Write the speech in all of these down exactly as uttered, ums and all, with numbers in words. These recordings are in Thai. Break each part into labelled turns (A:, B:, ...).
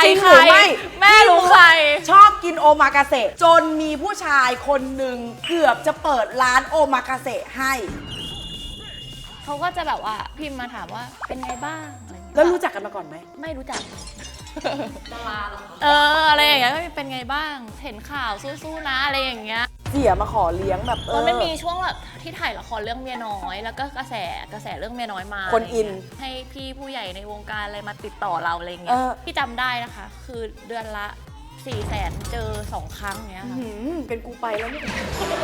A: จริงหรือไม่แม่รู้ใครชอบกินโอมากาเสะจนมีผู้ชายคนหนึ่งเกือบจะเปิดร้านโอมากาเสะให้
B: เขาก็จะแบบว่าพิมพ์มาถามว่าเป็นไงบ้างอะไรอย่างเงี้ย
A: แล้วรู้จักกันมาก่อนไหม
B: ไม่รู้จักดาราเหรอเอออะไรอย่างเงี้ยเป็นไงบ้างเห็นข่าวสู้ๆนะอะไรอย่างเงี้ย
A: เสียมาขอเลี้ยงแบบเออ
B: มันมีช่วงแบบที่ถ่ายละครเรื่องเมียน้อยแล้วก็กระแสกระแสเรื่องเมียน้อยมา
A: คนอิน
B: ให้พี่ผู้ใหญ่ในวงการอะไรมาติดต่อเราอะไรเงี้ยที่จำได้นะคะคือเดือนละสี่แสนเจอสองครั้งเงี้ยค่ะ
A: เป็นกูไปแล้วเนี่ย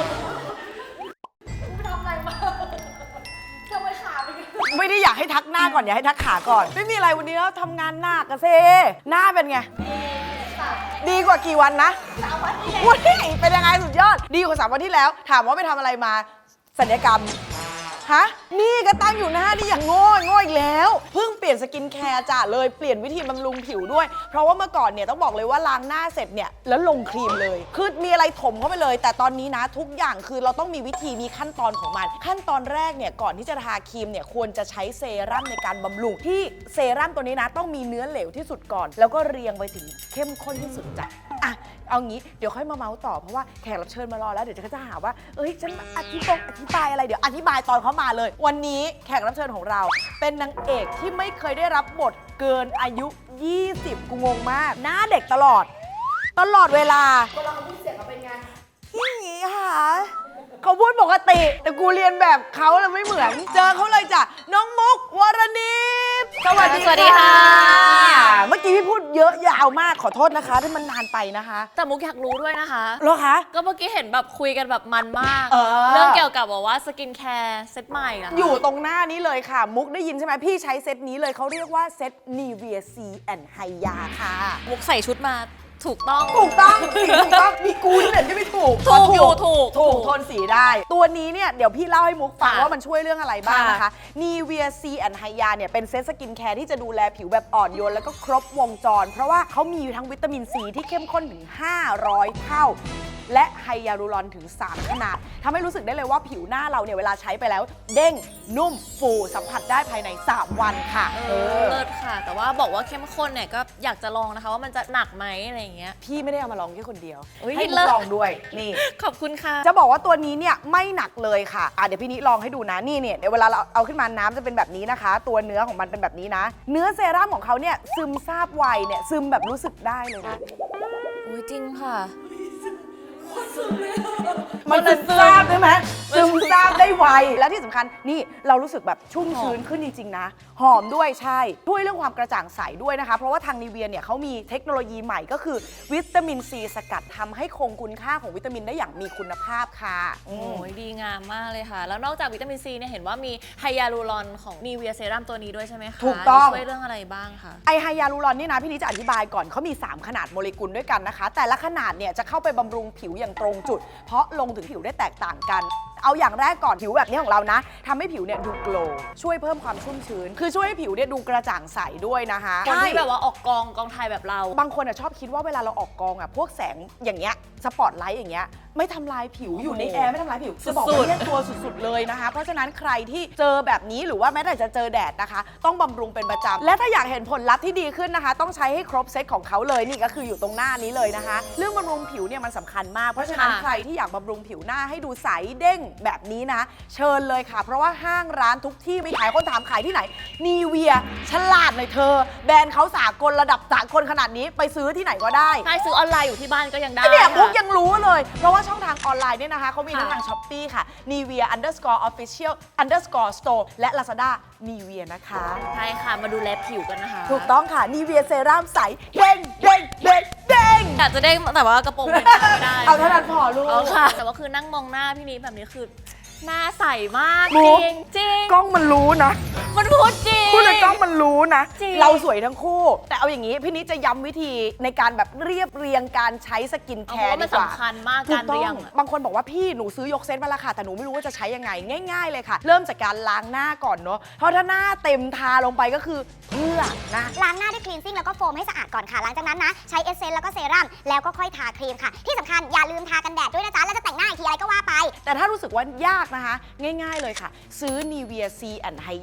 B: กูทำอะไรมาทำไมขาไปกัน
A: ไม่ได้อยากให้ทักหน้าก่อนอยากให้ทักขาก่อนไม่มีอะไรวันนี้แล้วทำงานหนักอะเซหน้าเป็นไงดีกว่ากี่วันนะสามวันที่แล้วเป็นยังไงสุดยอดดีกว่าสามวันที่แล้วถามว่าไปทำอะไรมาศัลยกรรมฮะนี่ก็ตั้งอยู่หน้านี่อย่างโง่โง่อีกแล้วเพิ่งเปลี่ยนสกินแคร์จ้ะเลยเปลี่ยนวิธีบำรุงผิวด้วยเพราะว่าเมื่อก่อนเนี่ยต้องบอกเลยว่าล้างหน้าเสร็จเนี่ยแล้วลงครีมเลยคือมีอะไรถมเข้าไปเลยแต่ตอนนี้นะทุกอย่างคือเราต้องมีวิธีมีขั้นตอนของมันขั้นตอนแรกเนี่ยก่อนที่จะทาครีมเนี่ยควรจะใช้เซรั่มในการบำรุงที่เซรั่มตัวนี้นะต้องมีเนื้อเหลวที่สุดก่อนแล้วก็เรียงไปถึงเข้มข้นที่สุดจ้ะอ่ะเอางี้เดี๋ยวค่อยมาเมาส์ต่อเพราะว่าแขกรับเชิญมารอแล้วเดี๋ยวเขาจะหาว่าเอ้ยฉันอธิบายอธิบายอะไรเดี๋ยวอธิบายตอนเขามาเลยวันนี้แขกรับเชิญของเราเป็นนางเอกที่ไม่เคยได้รับบทเกินอายุยี่สิบกูงงมากหน้าเด็กตลอดตลอดเวลาเวลาเขาพูดเสียงเขาเป็นไงอย่างงี้ค่ะเขาพูดปกติแต่กูเรียนแบบเขาแล้วไม่เหมือนเจอเขาเลยจ้ะน้องมุกวรณิตสวัสดีค่ะเมื่อกี้พี่พูดเยอะยาวมากขอโทษนะคะที่มันนานไปนะคะ
B: แต่มุกอยากรู้ด้วยนะคะ
A: เหรอคะ
B: ก็เมื่อกี้เห็นแบบคุยกันแบบมันมากเออเรื่องเกี่ยวกับบอกว่าสกินแคร์เซตใหม่อะ
A: อยู่ตรงหน้านี้เลยค่ะมุกได้ยินใช่ไหมพี่ใช้เซตนี้เลยเขาเรียกว่าเซต Nivea C and Hya ค่ะ
B: มุกใส่ชุดมาถูกต้อง
A: ถูกต้องถูกต้องมีกูนี่แหละที่ไม่ถูก
B: ถูกอยู่ถูก
A: ถูกโทนสีได้ตัวนี้เนี่ยเดี๋ยวพี่เล่าให้มุกฟังว่ามันช่วยเรื่องอะไรบ้างนะคะ Nivea C and Hya เนี่ยเป็นเซตสกินแคร์ที่จะดูแลผิวแบบอ่อนโยนแล้วก็ครบวงจรเพราะว่าเขามีทั้งวิตามินซีที่เข้มข้นถึงห้าร้อยเท่าและไฮยาลูรอนถึงสามขนาดทำให้รู้สึกได้เลยว่าผิวหน้าเราเนี่ยเวลาใช้ไปแล้วเด้งนุ่มฟูสัมผัสได้ภายในสามวันค่ะ
B: เออเลิศค่ะแต่ว่าบอกว่าเข้มข้นเนี่ยก็อยากจะลองนะคะว่ามันจะหนักไหมอะไรอย่างเงี้ย
A: พี่ไม่ได้เอามาลองแค่คนเดียวให้ลองด้วยนี่
B: ขอบคุณค่ะ
A: จะบอกว่าตัวนี้เนี่ยไม่หนักเลยค่ะอ่ะเดี๋ยวพี่นิลองให้ดูนะนี่เนี่ยเดี๋ยวเวลาเราเอาขึ้นมาน้ำจะเป็นแบบนี้นะคะตัวเนื้อของมันเป็นแบบนี้นะเนื้อเซรั่มของเขาเนี่ยซึมซาบไวเนี่ยซึมแบบรู้สึกได้เลยนะ
B: อุ้ยจริงค่ะ
A: มันซึมซาบใช่ไหมซึมซาบได้ไวและที่สำคัญนี่เรารู้สึกแบบชุ่มชื้นขึ้นจริงๆนะหอมด้วยใช่ช่วยเรื่องความกระจ่างใสด้วยนะคะเพราะว่าทางนิเวียเนี่ยเขามีเทคโนโลยีใหม่ก็คือวิตามินซีสกัดทำให้คงคุณค่าของวิตามินได้อย่างมีคุณภาพค่ะ
B: โอ้ยดีงามมากเลยค่ะแล้วนอกจากวิตามินซีเนี่ยเห็นว่ามีไฮยาลูรอนของนิเวียเซรั่มตัวนี้ด้วยใช่ไหมคะ
A: ถูกต้อง
B: ช่วยเรื่องอะไรบ้างคะ
A: ไอไฮยาลูรอนนี่นะพี่นี้จะอธิบายก่อนเขามีสามขนาดโมเลกุลด้วยกันนะคะแต่ละขนาดเนี่ยจะเข้าไปบำรุงผิวอย่างตรงจุดเพราะลงถึงผิวได้แตกต่างกันเอาอย่างแรกก่อนผิวแบบนี้ของเรานะทำให้ผิวเนี่ยดูโกลว์ช่วยเพิ่มความชุ่มชื้นคือช่วยให้ผิวเนี่ยดูกระจ่างใสด้วยนะคะ
B: คนที่แบบว่าออกกองกองถ่ายแบบเรา
A: บางคนชอบคิดว่าเวลาเราออกกองอ่ะพวกแสงอย่างเงี้ยสปอตไลท์อย่างเงี้ยไม่ทำลายผิวอยู่ในแอร์ไม่ทำลายผิวจะบอกว่าเนี่ยตัวสุดๆเลยนะคะเพราะฉะนั้นใครที่เจอแบบนี้หรือว่าแม้แต่จะเจอแดดนะคะต้องบำรุงเป็นประจำและถ้าอยากเห็นผลลัพธ์ที่ดีขึ้นนะคะต้องใช้ให้ครบเซตของเขาเลยนี่ก็คืออยู่ตรงหน้านี้เลยนะคะเรื่องบำรุงผิวเนี่ยมันสำคัญมากเพราะฉะนั้นใครที่อยากบำรุงผิวหน้าให้ดูใสเด้งแบบนี้นะเชิญเลยค่ะเพราะว่าห้างร้านทุกที่ไม่ขายคนถามขายที่ไหนนีเวียฉลาดหน่อยเธอแบรนด์เขาสากลระดับสากลขนาดนี้ไปซื้อที่ไหนก็ได้
B: ใช่ซื้อออนไลน์อยู่ที่บ้านก็ยังได้
A: เนี่ยมุกยังรู้เลยเพราะว่าช่องทางออนไลน์เนี่ยนะคะเขามีทั้งทาง ช้อปปี้ ค่ะ Nivea underscore official underscore store และ Lazada Nivea นะคะ
B: ใช่ค่ะมาดูแลผิวกันนะคะ
A: ถูกต้องค่ะ Nivea เซรั่มใสเด้งเด้งเด้งเด้ง
B: อยากจะเด้งแต่ว่ากระโปรงไม่ได้
A: เอาเท่านั้นพอลูก
B: เอาค่ะแต่ว่าคือนั่งมองหน้าพี่นี้แบบนี้คือหน้าใสมากจริงจริง
A: กล้องมันรู้นะ
B: มันพูดจริง
A: พูดเลยกล้องมันรู้นะเราสวยทั้งคู่แต่เอาอย่างนี้พี่นิดจะย้ำวิธีในการแบบเรียบเรียงการใช้สกินแคร์ดีกว่า
B: มันสำคัญมากการเรียง
A: บางคนบอกว่าพี่หนูซื้อยกเซตมาแล้วค่ะแต่หนูไม่รู้ว่าจะใช้ยังไงง่ายๆเลยค่ะเริ่มจากการล้างหน้าก่อนเนาะเพราะถ้าหน้าเต็มทาลงไปก็คือเพื่อนะ
C: ล้างหน้าด้วยคลีนซิ่งแล้วก็โฟมให้สะอาดก่อนค่ะหลังจากนั้นนะใช้เอสเซนส์แล้วก็เซรั่มแล้วก็ค่อยทาครีมค่ะที่สำคัญอย่าลืมทากันแดดด้วยนะจ๊ะแล้วจะแต่งหน้าอีกทีอะไรก็ว่าไป
A: แต่ถ้ารู้สึกว่ายากนะคะง่ายๆเลยค่ะซื้อ Nivea C and Hya แบบเนี้ย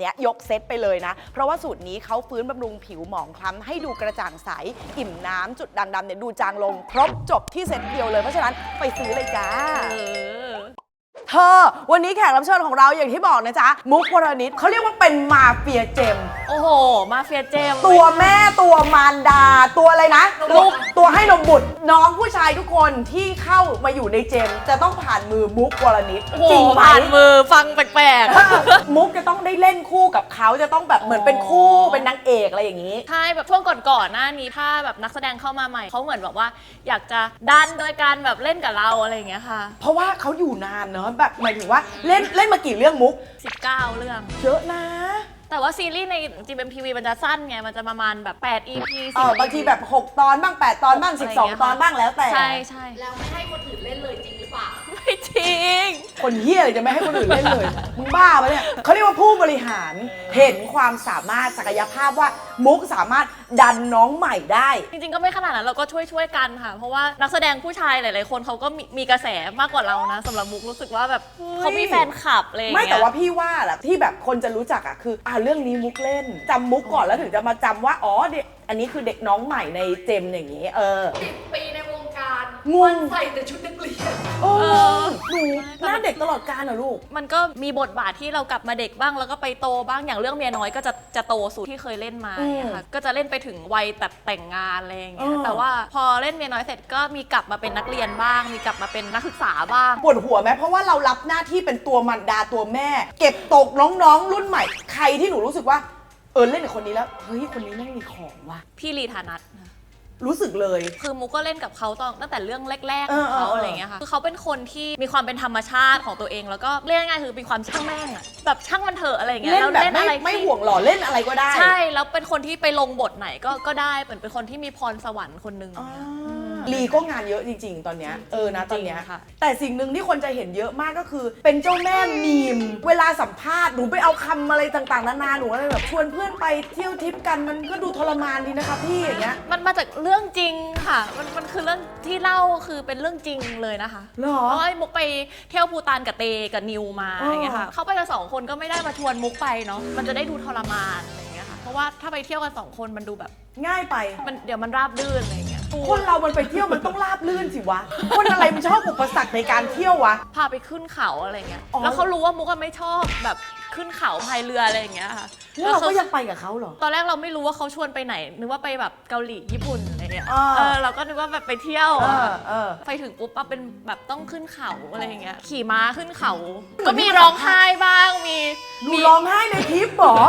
A: นี้ยกเซตไปเลยนะเพราะว่าสูตรนี้เขาฟื้นบำรุงผิวหมองคล้ำให้ดูกระจ่างใสอิ่มน้ำจุดด่างดำเนี่ยดูจางลงครบจบที่เซตเดียวเลยเพราะฉะนั้นไปซื้อเลยจ้าเธอวันนี้แขกรับเชิญของเราอย่างที่บอกนะจ๊ะมุกวรณิตเขาเรียกว่าเป็นมาเฟียเจม
B: โอ้โหมาเฟียเจม
A: ตัวแม่ตัวมารดาตัวอะไรนะลูกตัวให้นมบุตรน้องผู้ชายทุกคนที่เข้ามาอยู่ในเจมจะต้องผ่านมือมุกวรณิตจริงไหม
B: ผ่านมือฟังแปลก
A: มุกจะต้องได้เล่นคู่กับเขาจะต้องแบบเหมือนเป็นคู่เป็นนางเอกอะไรอย่างนี้
B: ๆใช่แบบช่วงก่อนๆหน้านี้ถ้าแบบนักแสดงเข้ามาใหม่เขาเหมือนแบบว่าอยากจะดันโดยการแบบเล่นกับเราอะไรอย่างเงี้ยค่ะ
A: เพราะว่าเขาอยู่นานเนอะแบบหมายถึงว่าเล่นเล่นมากี่เรื่องมุก
B: สิบเก้า เรื่อง
A: เยอะนะ
B: แต่ว่าซีรีส์ใน จี เอ็ม ที วี มันจะสั้นไงมันจะประมาณแบบแปด อี พี
A: เออบางทีแบบหกตอนบ้างแปดตอนบ้างสิบสองตอนบ้างแล้วแต่
B: ใช่ใช่
D: แล้วไม่ให้คนอื่นเล่นเลยจริงหรือเปล่า
B: ไม่จริง
A: คนเฮี้ยเลยจะไม่ให้คนอื่นเล่นเลย มึงบ้าปะเนี่ยเขาเรียกว่าผู้บริหารเห็นความสามารถศักยภาพว่ามุกสามารถดันน้องใหม่ได้
B: จริงๆก็ไม่ขนาดนั้นเราก็ช่วยช่วยๆกันค่ะ เพราะว่านักแสดงผู้ชายหลายๆคนเขาก็มีมีกระแสมากกว่าเรานะสำหรับมุกรู้สึกว่าแบบ
A: เฮ้ย
B: เขามีแฟนคลับอะไรอย่าง
A: ไม่
B: เงี้ย
A: แต่ว่าพี่ว่าแหละที่แบบคนจะรู้จักอ่ะคืออ่าเรื่องนี้มุกเล่นจำมุกก่อนแล้วถึงจะมาจำว่าอ๋อเด็กอันนี้คือเด็กน้องใหม่ในเจมอย่างนี้ เออ
D: สิบ ปีในวงการ
A: งง
D: วันใส่แต่ชุดนักเรียน
A: โอ้
B: เออ
A: หนูหน้าเด็กตลอดกาลเหรอลูก
B: มันก็มีบทบาทที่เรากลับมาเด็กบ้างแล้วก็ไปโตบ้างอย่างเรื่องเมียน้อยก็จะจะโตสุดที่เคยเล่นมาอย่างเงี้ยค่ะก็จะเล่นไปถึงวัยแบบแต่งงานอะไรอย่างเงี้ย
A: เออ
B: แต่ว่าพอเล่นเมียน้อยเสร็จก็มีกลับมาเป็นนักเรียนบ้าง มีกลับมาเป็นนักศึกษาบ้าง
A: ปวดหัวไหมเพราะว่าเรารับหน้าที่เป็นตัวมันดาตัวแม่ เก็บตกน้องๆ รุ่นใหม่ ใครที่หนูรู้สึกว่าเออเล่นกับคนนี้แล้วเฮ้ยคนนี้แม่งมีของว่ะ
B: พี่ลีธานัท
A: รู้สึกเลย
B: คือมุกก็เล่นกับเขาตอนตั้งแต่เรื่องแรกๆ
A: เอ
B: ข
A: อ
B: องเขา
A: เออ
B: อะไรอย่างเงี้ยค่ะคือเขาเป็นคนที่มีความเป็นธรรมชาติของตัวเอง แล้วก็เรียกง่ายๆคือมีความช่างแม่งอะแบบช่างมันเถอะอะไรอย่างเงี้ย
A: เล่น
B: แล้ว
A: แบบ
B: เล่น
A: ไม่
B: อะไร
A: ไม่
B: ที่
A: ห่วงหล่อเล่นอะไรก็ได้
B: ใช่แล้วเป็นคนที่ไปลงบทไหนก็ก็ได้เหมือนเป็นคนที่มีพรสวรรค์คนหนึ่ง
A: อ่าลีก็งานเยอะจริง ๆ ตอนเนี้ยเออนะตอนเนี้ย
B: จริงค่ะ
A: แต่สิ่งหนึ่งที่คนจะเห็นเยอะมากก็คือ เป็นเจ้าแม่มีม เวลาสัมภาษณ์หนูไปเอาคำอะไรต่างๆนานาหนูอะไรแบบชวนเพื่อนไปเที่ยวทริปกันมันก็ดูทรมานดีนะคะพี่อย่างเงี้ย
B: มันมาจากเรื่องจริงค่ะ มันมันคือเรื่องที่เล่าคือเป็นเรื่องจริงเลยนะคะ
A: เหรอ
B: เพราะว่ามุกไปเที่ยวภูตานกับเตกับนิวมา
A: อ๋อ
B: อ
A: อย่าง
B: เงี้ยค่ะ เขาไปกันสองคนก็ไม่ได้มาชวนมุกไปเนาะ มันจะได้ดูทรมานอะไรอย่างเงี้ยค่ะ เพราะว่าถ้าไปเที่ยวกันสองคนมันดูแบบ
A: ง่ายไป
B: มันเดี๋ยวมันราบรื่นอะไรอย่างเงี้ย
A: คนเรามันไปเที่ยวมันต้องราบลื่นสิวะ คนอะไรมันชอบอุปสรรคในการเที่ยววะ
B: พาไปขึ้นเขาอะไรเงี้ย
A: อ๋อ
B: แล้วเขารู้ว่ามุกอะไม่ชอบแบบขึ้นเขาพายเรืออะไรอย่างเงี้ยค่ะ
A: แล้วเรา
B: ข
A: ก็ยังไปกับเขาเหรอ
B: ตอนแรกเราไม่รู้ว่าเขาชวนไปไหน นึกว่าไปแบบเกาหลีญี่ปุ่นอะไรเงี้ย
A: อ่า
B: เออเราก็นึกว่าแบบไปเที่ยว
A: เอ
B: อะ
A: อเออ
B: ไปถึงปุ๊บอะเป็นแบบต้องขึ้นเขาอะไรอย่างเงี้ย ขี่ม้าขึ้นเขา
A: เหมื
B: ก็
A: อนที่
B: มีร้องไห้บ้าง มี
A: หนูร้องไห้ในทริปเหรอ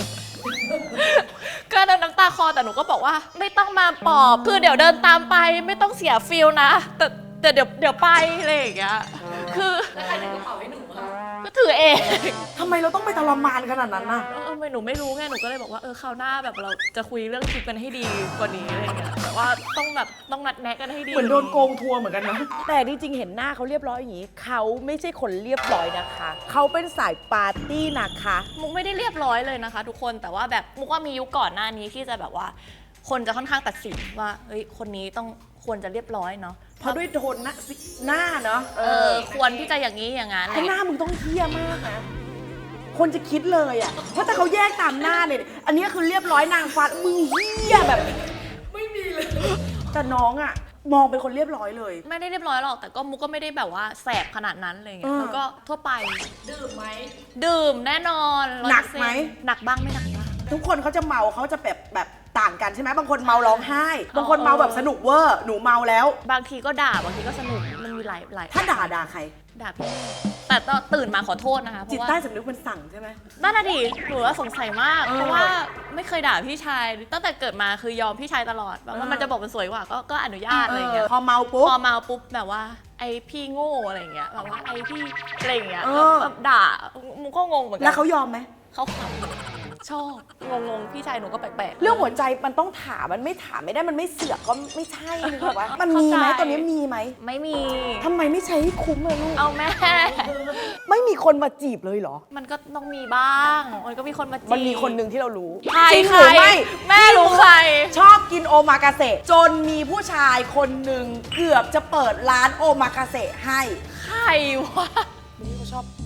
B: ก็น้ำตาคลอแต่หนูก็บอกว่าไม่ต้องมาปลอบ คือเดี๋ยวเดินตามไปไม่ต้องเสียฟิลนะ แต่แต่เดี๋ยวเดี๋ยวไปอะไรอย่างเงี้ย คือ
D: แล้วใครถือกระเป๋าให้หนูอะ
B: ก็ถือเอง
A: ทำไมเราต้องไปทรมานขนาดนั้นน่ะ
B: เออไม่หนูไม่รู้ไงหนูก็เลยบอกว่าเออคราวหน้าแบบเราจะคุยเรื่องทริปกันให้ดีกว่านี้อะไรเงี้ยแต่ว่าต้องแบบต้องนัดแนะกันให้ดี
A: เหมือนโดนโกงทัวร์เหมือนกันนะ แต่จริงๆเห็นหน้าเขาเรียบร้อยอย่างนี้ เขาไม่ใช่คนเรียบร้อยนะคะ เขาเป็นสายปาร์ตี้นะคะ
B: มุกไม่ได้เรียบร้อยเลยนะคะ ทุกคนแต่ว่าแบบมุกว่ามียุคก่อนหน้านี้ที่จะแบบว่า คนจะค่อนข้างตัดสินว่าเฮ้ยคนนี้ต้องควรจะเรียบร้อยเนาะ
A: เพราะด้วยโทนหน้าสิหน้าเนาะ
B: เออควรที่จะอย่างนี้อย่างนั้นอะไร
A: ข้างห
B: เงี้ย
A: น้ามึงต้องเที่ยมากนะ คนจะคิดเลยอ่ะเพราะถ้าเขาแยกตามหน้าเนี่ย อันนี้คือเรียบร้อยนางฟ้ามึงเฮี้ยแบบ
D: ไม่มีเลย
A: แต่น้องอ่ะ มองเป็นคนเรียบร้อยเลย
B: ไม่ได้เรียบร้อยหรอกแต่ก็มุกก็ไม่ได้แบบว่าแสบขนาดนั้นอะไรเงี้
A: เอยอ
B: แล้วก็ทั่วไป
D: ดื่มไหม
B: ดื่มแน่นอน
A: หนักไหม
B: หนักบ้างไม่หนักบ้าง
A: ทุกคนเขาจะเมาเขาจะแบบแบบต่างกันใช่ไหมบางคนเมาร้องไห้ บางคนเมาแบบสนุกเวอร์ หนูเมาแล้ว
B: บางทีก็ด่าบางทีก็สนุกมันมีหลายหลาย
A: ถ้าด่าด่าใคร
B: ด่าพี่แต่ตอนตื่นมาขอโทษนะคะเพ
A: จิต
B: ราะว่า
A: ใต้สำนึกมันสั่งใช่ไหม
B: นั่นน่ะดิหนูว่าสงสัยมาก
A: เออ
B: เพราะว่าไม่เคยด่าพี่ชาย ตั้งแต่เกิดมาคือยอมพี่ชายตลอดแบบว่า
A: เออ
B: มันจะบอกมันสวยกว่าก็ก็อนุญาตอะไรอย่างเงี้ย
A: พอเมาปุ๊บ
B: พอมาปุ๊บแบบว่าไอพี่โง่อะไรอย่างเงี้ยแบบว่าไอพี่อะไรอย่างเงี้ย
A: เออ
B: แบบด่ามุกก็งงเหมือนกั
A: แล้วเขายอมไหม
B: เขาขำชอบงงๆพี่ชายหนูก็แปลกๆ
A: เรื่องหัวใจมันต้องถามมันไม่ถามไม่ได้มันไม่เสือกก็ไม่ใช่นึกออกปะมันมีไหม
B: เข้าใจ
A: ตอนนี้มีไหม
B: ไม่มี
A: ทำไมไม่ใช้ให้คุ้มเลยลูก
B: เอาแม่
A: ไม่มีคนมาจีบเลยเหรอ
B: มันก็ต้องมีบ้าง มันก็มีคนมาจีบ
A: มันมีคนหนึ่งที่เรารู้
B: ใคร
A: จริง
B: ใค
A: ห
B: ร
A: รือไม่
B: แม่รู้ใคร
A: ชอบกินโอมากาเสะจนมีผู้ชายคนหนึ่งเกือบจะเปิดร้านโอมากาเสะให้
B: ใครวะ
A: นี่เขาชอบ
B: คน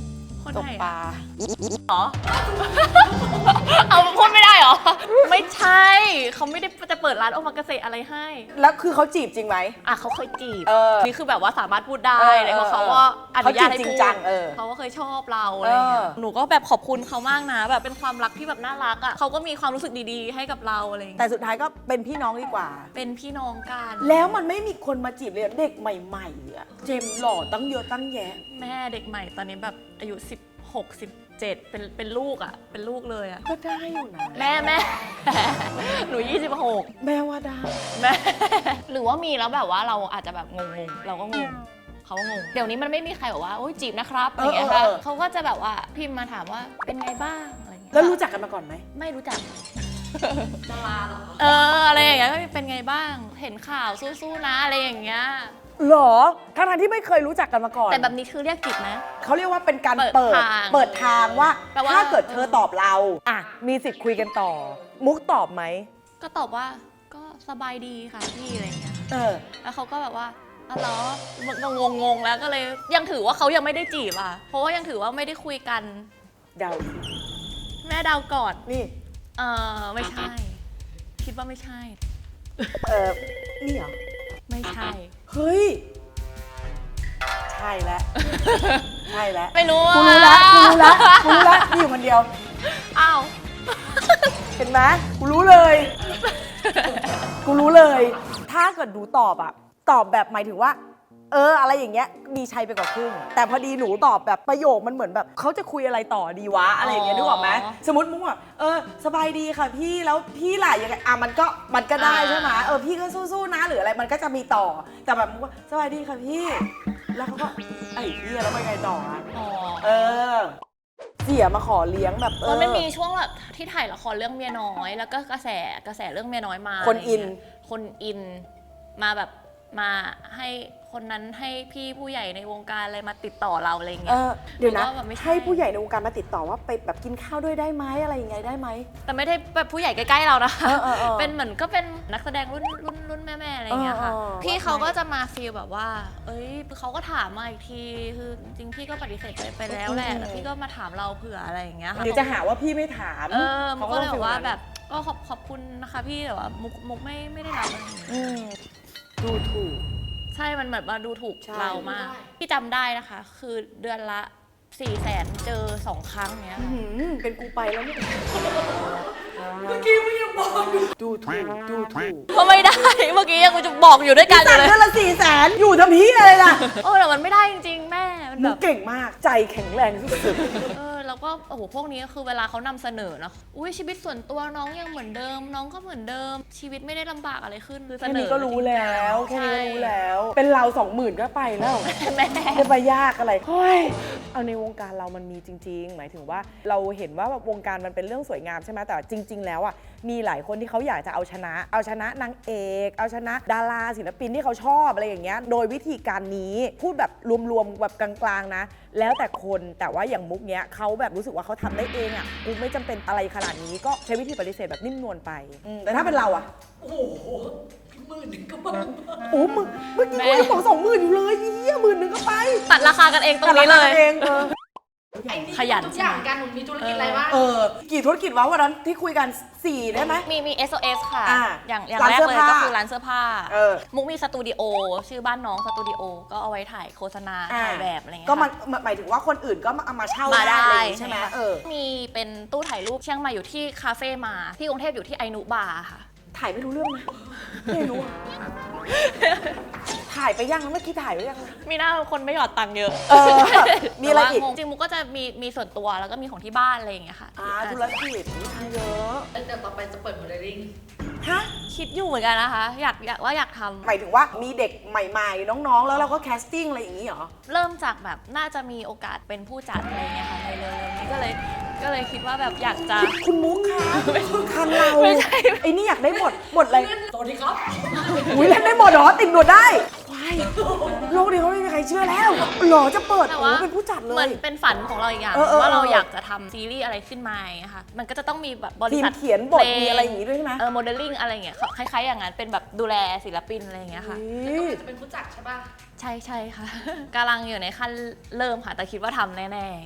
B: คน
A: ต
B: ไห
A: ก
B: น
A: ปลา
B: อะเหรอ เอาพูดไม่ได้เหรอ ไม่ใช่ เขาไม่ได้จะเปิดร้านโอมากาเสะอะไรให้
A: แล้วคือเขาจีบจริงไหม
B: อ่ะเขาเคยจีบ
A: เออ
B: นี่คือแบบว่าสามารถพูดได้
A: เออ
B: เลยเพราะ
A: เออ
B: เขาก็อนุญาตให้
A: เขาจีบจริ
B: พู
A: ง
B: ด
A: จังเออ
B: เขาก็เคยชอบเราอะไรอย่างเงี้ย
A: เออ
B: หนูก็แบบขอบคุณเขามากนะ แบบเป็นความรักที่แบบน่ารักอ่ะเขาก็มีความรู้สึกดีๆ ให้กับเราอะไรอย่าง
A: แต่
B: เงี้ย
A: สุดท้ายก็เป็นพี่น้องดีกว่า
B: เป็นพี่น้องกัน
A: แล้วมันไม่มีคนมาจีบเลยเด็กใหม่ๆอะเจมส์หล่อตั้งเยอะตั้งแยะ
B: แม่เด็กใหม่ตอนนี้แบบอายุสิบหก สิบเจ็ดเป็นเป็นลูกอ่ะเป็นลูกเลยอ่ะ
A: ก็ได้อยู่นะ
B: แม่แม่ หนูยี่สิบหก
A: แม่ว่าได้
B: แม่ หรือว่ามีแล้วแบบว่าเราอาจจะแบบงงๆเราก็งงเขาก็งงเดี๋ยวนี้มันไม่มีใครบอกว่าโอ๊ยจีบนะครับอะไรอย่างเงี้ยค่ะ
A: เออเออเออ
B: เขาก็จะแบบว่าพิมพ์มาถามว่าเป็นไงบ้างอะไรอย่างเงี้ย
A: แล้วรู้จักกันมาก่อนไหม
B: ไม่รู้จัก
D: ดาราเหรอ
B: เอออะไรอย่างเงี้ยเป็นไงบ้าง เห็นข่าวสู้ๆนะอะไรอย่างเงี้ย
A: หรอทั้งๆที่ไม่เคยรู้จักกันมาก่อน
B: แต่แบบนี้คือเรียกจีบไหม
A: เขาเรียกว่าเป็นการ
B: เปิ
A: เปิ
B: ด
A: ด
B: ทาง
A: เปิดทางว่า
B: แปลว่า
A: ถ้าเกิดเธอตอบเราอ่ะมีสิทธิ์คุยกันต่อ มุกตอบไหม
B: ก็ตอบว่าก็สบายดีค่ะพี่อะไรอย่างเงี้ย
A: เออ
B: แล้วเขาก็แบบว่าอ๋อเหรอมันก็งงๆแล้วก็เลยยังถือว่าเขายังไม่ได้จีบอ่ะ เพราะว่ายังถือว่าไม่ได้คุยกัน
A: เดา
B: แม่เดาวก่อน
A: นี่
B: เออไม่ใช่ คิดว่าไม่ใช่
A: เออนี่เหรอ
B: ไม่ใช่
A: เฮ้ย ใช่แล้ว ใช่แล้ว
B: ไม่รู้
A: กูรู้แล้วกูรู้แล้วกูรู้แล้วนี่อยู่คนเดียว
B: อ้าว
A: เห็นไหมกูรู้เลย กูรู้เลย ถ้าเกิดดูตอบอะตอบแบบหมายถึงว่า เออ อะไรอย่างเงี้ยมีชัยไปกว่าครึ่ง แต่พอดีหนูตอบแบบประโยคมันเหมือนแบบเขาจะคุยอะไรต่อดีวะอะไรอย่างเงี้ยนึกออกไหมสมมติมุกว่าเออสบายดีค่ะพี่แล้วพี่ล่ะยังไงอ่ะมันก็มันก็ได้ใช่ไหมเออพี่ก็สู้ๆนะหรืออะไรมันก็จะมีต่อ แต่แบบมุกว่าสบายดีค่ะพี่ แล้วเขาก็ไอ้พี่แล้วไปไงต่ออะ
B: อ๋อ
A: เออ เสียมาขอเลี้ยงแบบเอ
B: มั
A: อน
B: ไม่มีช่วงแบบที่ถ่ายละครเรื่องเมียน้อย แล้วก็กระแสกระแสเรื่องเมียน้อยมา
A: คนอิน
B: ะไรเงี้ยคนอินมาแบบมาให้คนนั้นให้พี่ผู้ใหญ่ในวงการอะไรมาติดต่อเราอะไรเงี้
A: เอย อเดี๋ยวนะ
B: หรือว่าแบบไม่ใช่
A: ให้ผู้ใหญ่ในวงการมาติดต่อว่าไปแบบกินข้าวด้วยได้ไหมอะไรยังไงได้ไหม
B: แต่ไม่ได้แบบผู้ใหญ่ใกล้ๆเรานะคะ
A: เออเออเออ
B: เป็นเหมือนก็เป็นนักแสดงรุ่นรุ่นรุ่นแม่ๆอะไรอย่างเงี้ยค่ะ
A: เออเออ
B: พี่เขาก็จะมาฟีลแบบว่า เอ้ยเขาก็ถามมาอีกที คือจริงๆพี่ก็ปฏิเสธไปไปแล้วแหละ
A: อืม
B: แต่พี่ก็มาถามเราเผื่ออะไรอย่างเงี้ยค่ะ
A: เดี๋ยวจะหาว่าพี่ไม่ถาม
B: เออมุกก็เลย
A: ต้
B: บ
A: ง
B: อกว่า
A: ฟีลนั้น
B: แบบก็ขอบขอบคุณนะคะพี่แต่ว่ามุกมุกไม่ไม่ได้รับอะไรอย่างเงี้ย
A: อืมดูถูก
B: ใช่มันแบบมาดูถูก
A: ใช่
B: เรามากพี่จำได้นะคะ คือเดือนละสี่แสนเจอสองครั้งเนี้ย
A: อื้อหือเป็นกูไปแล้วเนี่ย
D: เมื่อกี้ไม่ยังบอกอยู่
A: ดูถูกดูถูก
B: ก็ไม่ได้ เมื่อกี้ยังจะบอกอยู่ด้วยกันอ
A: สั่
B: ยู่
A: ง
B: เลย
A: เดือนละสี่แสนอยู่ทำพี่อะไรล่ะ
B: โอ้แต่มันไม่ได้จริงๆแม่มัน
A: มึ
B: แบ
A: ง
B: บ
A: เก่งมากใจแข็งแรงสุด
B: เออแล้วก็โอ้โหพวกนี้ก็คือเวลาเขานำเสนอเนาะอุ้ยชีวิตส่วนตัวน้องยังเหมือนเดิม น้องก็เหมือนเดิม ชีวิตไม่ได้ลำบากอะไรขึ้นคือ
A: ๆ
B: เส
A: แค่
B: น
A: นี้
B: อ
A: ก็รู้แล้วแค่นี้ก็รู้แล้ว เป็นเราสองหมื่นก็ไปแล้ว
B: แม่
A: จะไปยากอะไรเฮ้ยเอาในวงการเรามันมีจริง ๆ หมายถึงว่าเราเห็นว่าแบบวงการมันเป็นเรื่องสวยงามใช่ไหมแต่จริง ๆ แล้วอ่ะมีหลายคนที่เขาอยากจะเอาชนะ เอาชนะนางเอก เอาชนะดาราศิลปินที่เขาชอบอะไรอย่างเงี้ยโดยวิธีการนี้พูดแบบรวมๆแบบกลางๆนะ แล้วแต่คนแต่ว่าอย่างมุกเนี้ยเขาแบบรู้สึกว่าเขาทำได้เองอ่ะกูไม่จำเป็นอะไรขนาดนี้ก็ใช้วิธีปฏิเสธแบบนิ่มนวลไปอืมแต่ถ้าเป็นเราอ่ะ
D: โอ้โหหมื่นหนึ่งก็บ้า
A: โอ้มึงเมื่อกี้กูยังบอกสองหมื่นอยู่เลยเฮียหมื่นหนึ่งก็ไป
B: ตัดราคากันเองตรงนี้เลย
A: แต่ราคาเองเออ
D: ไอ้นี่
B: ขยัน
D: ทุกอย่างการหนุนมีธุรกิจอะไรบ้าง
A: เออ กี่ธุรกิจวะวันนั้นที่คุยกันสี่ได้ไหม
B: มีมี เอส โอ เอส ค่ะ
A: อ่า
B: อย่างอย่าง
A: ร้าน
B: แรก
A: เสื้อ
B: เลย
A: ผ้า
B: ก็คือร้านเสื้อผ้า
A: เออ
B: มุกมีสตูดิโอชื่อบ้านน้องสตูดิโอก็เอาไว้ถ่ายโฆษณาถ่ายแบบอะไรเงี้ย
A: ก็มัน
B: ค่ะ
A: หมายถึงว่าคนอื่นก็มาเอามาเช่า
B: มาได้
A: อะไรอย่างงี้ใช่ไหม
B: ค่ะ
A: เออ
B: มีเป็นตู้ถ่ายรูปเชียงใหม่อยู่ที่คาเฟ่มาที่กรุงเทพอยู่ที่ไอนุบาร์ค่ะ
A: ถ่ายไม่รู้เรื่องนะไม่รู้อะถ่ายไปยังนะเมื่อกี้ถ่ายไปยังนะ
B: มีหน้าคนไม่หยอดตังค์เยอะ
A: เออมีอะไรอีก
B: แต่ว่าจริงๆมุกก็จะมีมีส่วนตัวแล้วก็มีของที่บ้านอะไรอย่างเงี้ยค่ะ
A: อ่าธุรกิจทำเยอะ
D: แล้วเดี๋ยวต่อไปจะเปิดโมเดลลิ่ง
A: ฮะ
B: คิดอยู่เหมือนกันนะคะ อยากอยากว่าอยากทำ
A: หมายถึงว่ามีเด็กใหม่ๆ น้องๆ แล้วเราก็แคสติ้งอะไรอย่างนี้เหรอ
B: เริ่มจากแบบน่าจะมีโอกาสเป็นผู้จัดอะไรเงี้ยค่ะในเร็วๆนี้ก็เลยก็เลยคิดว่าแบบอยากจะ
A: คุณมุกคะทางเรา
B: ไม่ใช่
A: ไอ้นี่อยากได้หมดหมดอะไร
D: สวัสดีครับ
A: อุ้ยเล่นได้หมดเหรอติดหนวดได้ควายโลกนี้เขาไม่มีใครเชื่อแล้วหรอจะเปิด
B: แต่
A: โอ้
B: ว่า
A: เป็นผู้จัดเล
B: เหมือน
A: ย
B: เป็นฝันของเราอีกอย่าง
A: เออเออ
B: ว่าเรา
A: เออ
B: อยากจะทำซีรีส์อะไรขึ้นมาอย่างเงี้ยค่ะมันก็จะต้องมีแบบบริ
A: ทีม
B: ษัท
A: เขียนบท
B: พล
A: มีอะไรอย่างงี้ด้วยใช่ไหม
B: เออโมเดลลิ่งอะไรอย่างเงี้ยคล้ายๆอย่างนั้นเป็นแบบดูแลศิลปินอะไรอย่างเงี้ยค่ะ
A: อุ๊ย
D: จะเป็นผู้จัดใช่ป่ะ
B: ใช่ใช่ค่ะ กำลังอยู่ในขั้นเริ่มค่ะ แต่คิดว่าทำแน่ๆค่ะ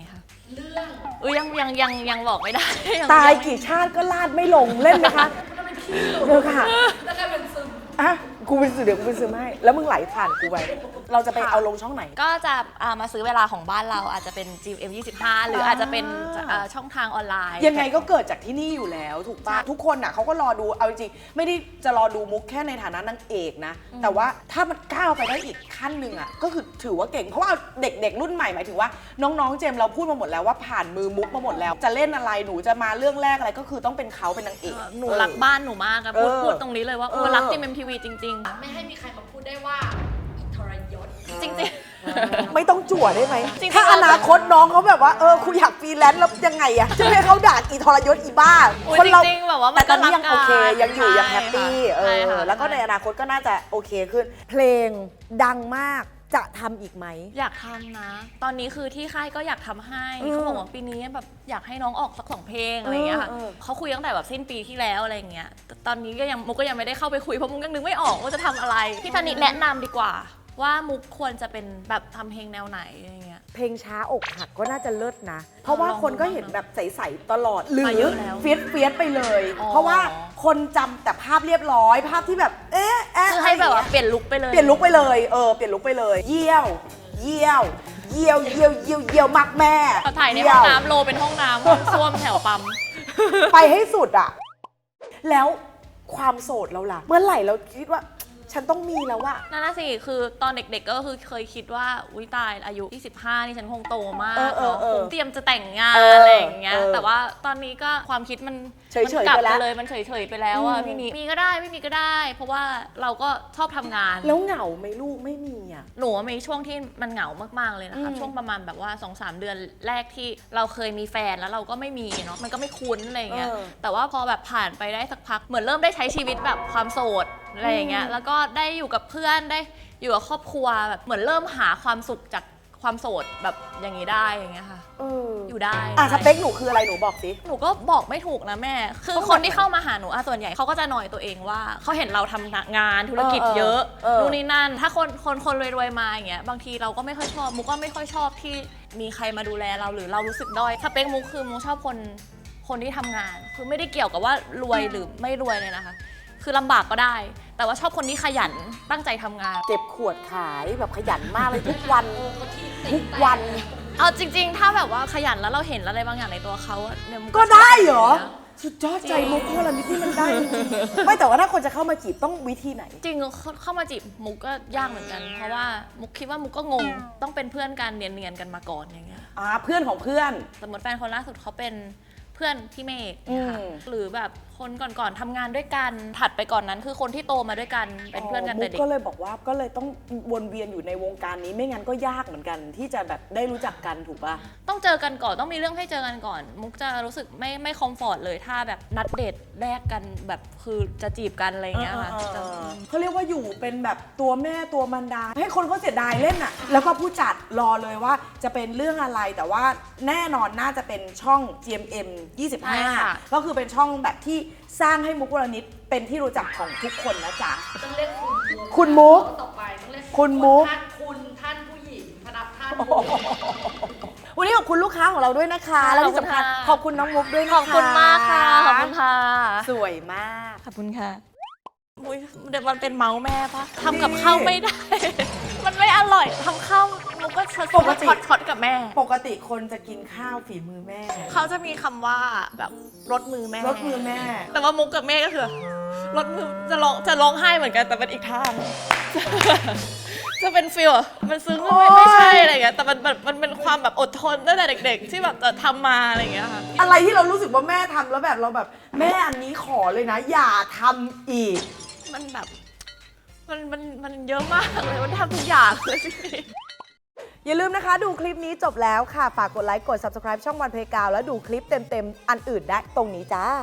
D: เรื่อง
B: อุ้ยยังยังยังยังบอกไม่ได้ง
A: ตาย
B: งไม่
A: กี่ชาติก็ลาดไม่ลงเล่นไหมคะ
D: มันเป็นขี้หลุ
A: เดี๋ยวค่ะ
D: แล้วกลายเป็นซึม
A: อ่ะกูเป็นสื่อเดี๋ยวกูเป็นสื่อให้แล้วมึงไหลผ่านกูไปเราจะไปเอาลงช่องไหน
B: ก็จะอ่ามาซื้อเวลาของบ้านเราอาจจะเป็น จี เอ็ม ยี่สิบห้า หรืออาจจะเป็นอ่าช่องทางออนไลน์
A: ยังไงก็เกิดจากที่นี่อยู่แล้วถูกปะทุกคนอ่ะเขาก็รอดูเอาจริงๆไม่ได้จะรอดูมุกแค่ในฐานะนางเอกนะ แต่ว่าถ้ามันก้าวไปได้อีกขั้นหนึ่งอ่ะก็คือถือว่าเก่งเพราะว่าเด็กๆรุ่นใหม่หมายถึงว่าน้องๆเจมส์เราพูดมาหมดแล้วว่าผ่านมือมุกมาหมดแล้ว จะเล่นอะไรหนูจะมาเรื่องแรกอะไรก็คือต้องเป็นเขาเป็นนางเอก
B: หนูรักบ้านหนูมากอะพูด
A: เออ
B: พูดตรงนี้เลยว่า
A: เอ
B: เอ
A: อ
B: อรักจีเอ็มทีวีจริง
D: ไม่ให้มีใครมาพูดได้ว่าอิทรยศ
B: ๆ จริง
A: ไม่ต้องจั่วได้ไหม
B: จริงๆ
A: ถ้าอนาคตน้องเขาแบบว่าเออคุอยากฟรีแลนซ์แล้วยังไงอะจะให้เขาด่าอีทรยศอีบ้า
B: โอ้ย
A: คนเรา
B: จริงๆแบบว่ามั
A: แต่
B: น
A: ตอนนี้ยัง
B: ก็
A: โอ
B: รัก
A: เค
B: กัน
A: ยังอยู่
B: ใช่
A: ยังแฮปปี้เอ
B: ใช่
A: อ
B: ค่ะ
A: แล้วก็ในอนาคตก็น่าจะโอเคขึ้น เพลงดังมากจะทำอีกไหม
B: อยากทำนะ ตอนนี้คือที่ค่ายก็อยากทำให้
A: อืม
B: เขาบอกว่าปีนี้แบบอยากให้น้องออกสักสองเพลงอะไรอย่างเงี้ยค่ะ
A: เออเออ
B: เขาคุยตั้งแต่แบบสิ้นปีที่แล้วอะไรอย่างเงี้ยแต่ตอนนี้ก็ยังมุกก็ยังไม่ได้เข้าไปคุยเพราะมุกยังนึกไม่ออกว่าจะทำอะไรพี่ธนิตแนะนำดีกว่า ว่ามุกควรจะเป็นแบบทำเพลงแนวไหนอะไรอย่างเงี้ย
A: เพลงช้าอกหักก็น่าจะเลิศนะ เพราะว่าคนก็เห็นแบบใสๆตลอดหรื
B: มา
A: อ
B: เยอะแล้ว
A: เฟียสเฟียสไปเลย
B: อ๋อ
A: เพราะว่าคนจำแต่ภาพเรียบร้อย ภาพที่แบบเอ๊ะเอ๊ะ
B: คือให้แบบว่า
A: ะไรอย่ง
B: เปลี่ยนลุคไปเลย
A: เงี้ยเปลี่ยนลุกไปเลยเออเปลี่ยนลุกไปเลย เยี่ยว เยี่ยว เยี่ยวเยี่ยวเยี่ยวเยี่ยวมากแม่
B: เขาถ่ายใน
A: เยี่
B: ห้
A: ว
B: องน้ำโลเป็นห้องน้ำห้องส้วมแถวปั๊ม
A: ไปให้สุดอะแล้วความโสดเราล่ะ เมื่อไหร่เราคิดว่า ฉันต้องมีแล้วอะ
B: นั่นน่ะสิ คือตอนเด็กๆ ก็คือเคยคิดว่า อุ้ยตายอายุยี่สิบห้านี่ฉันคงโตมาก
A: เออเออเออ
B: คงเตรียมจะแต่งงาน
A: เอออ
B: อะไรอย่างเงี้ย
A: เออ
B: แต่ว่าตอนนี้ก็ความคิดมัน
A: เฉยๆ
B: มันกลับ
A: ไปแล้ว
B: ไปเลย มันเฉยๆไปแล้วอะ
A: อืม
B: พี่นี้มีก็ได้ไม่มีก็ได้ เพราะว่าเราก็ชอบทำงาน
A: แล้วเหงาไหมลูกไม่มีอะ
B: หนูว่ามีช่วงที่มันเหงามากๆเลยนะคะ
A: อืม
B: ช่วงประมาณแบบว่า สองสาม เดือนแรกที่เราเคยมีแฟนแล้วเราก็ไม่มีเนาะมันก็ไม่คุ้นอะไรอย่างเงี้ย
A: เออ
B: แต่ว่าพอแบบผ่านไปได้สักพักเหมือนเริ่มได้ใช้ชีวิตแบบความโสดอะไรอย่างเงี้ย
A: อืม
B: แล้วก็ได้อยู่กับเพื่อนได้อยู่กับครอบครัวแบบเหมือนเริ่มหาความสุขจากความโสดแบบอย่างนี้ได้อย่างเงี้ยค่ะ
A: เออ
B: อยู่ได้
A: อ่ะสเปคหนูคืออะไรหนูบอกสิ
B: หนูก็บอกไม่ถูกนะแม่ คือ
A: ต้อง
B: คนที่
A: แบบไหน
B: เข้ามาหาหนูอะส่วนใหญ่เขาก็จะหน่อยตัวเองว่าเขาเห็นเราทำงานธุรกิจ
A: เออเออ
B: เยอะ
A: เออ
B: นู่นนี่นั่น ถ้าคนคนคนรวยๆมาอย่างเงี้ยบางทีเราก็ไม่ค่อยชอบมุกก็ไม่ค่อยชอบที่มีใครมาดูแลเราหรือเรารู้สึกด้อยสเปคมุกคือมุกชอบคนคนที่ทำงาน คือไม่ได้เกี่ยวกับว่ารวยหรือไม่รวยเลยนะคะ คือลำบากก็ได้ แต่ว่าชอบคนที่ขยันตั้งใจทำงาน
A: เก็บขวดขายแบบขยันมากเลยทุกวัน ทุกวัน
B: เอาจริง ๆ ถ้าแบบว่าขยันแล้วเราเห็นอะไรบางอย่างในตัวเขาอะเนี่ยมุ
A: ก็ได้เหรอ
B: ชบ
A: สุดยอดใจมุกพวกเรานี่ที่มันได้จริงๆไม่แต่ว่าถ้าคนจะเข้ามาจีบต้องวิธีไหน
B: จริงๆเข้าเข้ามาจีบมุกก็ยากเหมือนกัน เพราะว่ามุกคิดว่ามุกก็งง ต้องเป็นเพื่อนกันเนียนๆกันมาก่อนอย่างเงี้ย
A: อ่าเพื่อนของเพื่อน
B: สมมติแฟนคนล่าสุดเขาเป็นเพื่อนพี่เมฆเนี่ยค่ะ
A: อืม
B: หรือแบบคนก่อนๆทำงานด้วยกัน ถัดไปก่อนนั้นคือคนที่โตมาด้วยกันเป็นเพื่อนกันแต่เด็
A: มุ
B: ก
A: ก็เลยบอกว่าก็เลยต้องวนเวียนอยู่ในวงการนี้ไม่งั้นก็ยากเหมือนกัน ที่จะแบบได้รู้จักกันถูกป่ะ
B: ต้องเจอกันก่อนต้องมีเรื่องให้เจอกันก่อน มุกจะรู้สึกไม่ไม่คอมฟอร์ตเลยถ้าแบบนัดเดทแรกกันแบบคือจะจีบกันอะไรอย่างเงี้ยค่ะ
A: เออ
B: จะ
A: เออเขาเรียกว่าอยู่เป็นแบบตัวแม่ตัวมันดา ให้คนเขาเสียดายเล่นอ่ะ แล้วก็ผู้จัดรอเลยว่าจะเป็นเรื่องอะไรแต่ว่าแน่นอนน่าจะเป็นช่อง จี เอ็ม เอ็ม ยี่สิบห้า ก็คือเป็นช่องแบบที่สร้างให้มุกวรณิตเป็นที่รู้จักของทุกคนนะจ๊ะ
D: ต้องเรียกคุณมุก
A: คุณมุก
D: ต่อไปต้องเรียก
A: คุณมุก
D: ท่านคุณท่านผู้หญิงพนักท่านผู้หญิง
A: วันนี้ขอบคุณลูกค้าของเราด้วยนะคะ
B: ค่ะ
A: แล้วที่สำคัญ
B: ขอบคุณค่ะ
A: ขอบคุณน้องมุกด้วยนะคะ
B: ขอบคุณมากค่ะ ขอบคุณค่ะ
A: สวยมาก
B: ขอบคุณค่ะอุ๊ยเดี๋ยวมันเป็นเมาส์แม่ปะทำกับข้าวไม่ได้ มันไม่อร่อยทำข้าวมุกก็ช็อต
A: ปกติ
B: ช็อตช็อตกับแม่
A: ปกติคนจะกินข้าวฝีมือแม่
B: เขาจะมีคำว่าแบบรสมือแม่
A: รสมือแม่
B: แต่ว่ามุกกับแม่ก็คือรสมือจะร้องจะร้องไห้เหมือนกันแต่เป็นอีกทาง จะเป็นฟีลอะมันซึ้ง
A: โอ๊
B: ไม่
A: ย
B: ไม่ใช่อะไรอย่างเงี้ยแต่มันมันมันเป็นความแบบอดทนตั้งแต่เด็ก ๆ ที่แบบจะทำมาอะไรอย่างเงี้ยค่ะ
A: อะไรที่เรารู้สึกว่าแม่ทำแล้วแบบเราแบบแม่อันนี้ขอเลยนะ อย่าทำอีก
B: มันแบบมันมันมันเยอะมากเลยมันทำทุกอย่างเลยพี่
A: อย่าลืมนะคะ ดูคลิปนี้จบแล้วค่ะ ฝากกดไลค์ กด Subscribe ช่องวันเพกาวแล้วดูคลิปเต็มๆ อันอื่นได้ตรงนี้จ้า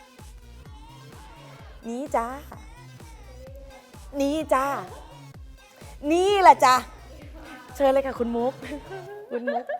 A: นี้จ้า นี้จ้า นี่แหละจ้า เชิญเลยค่ะคุณมุก คุณมุก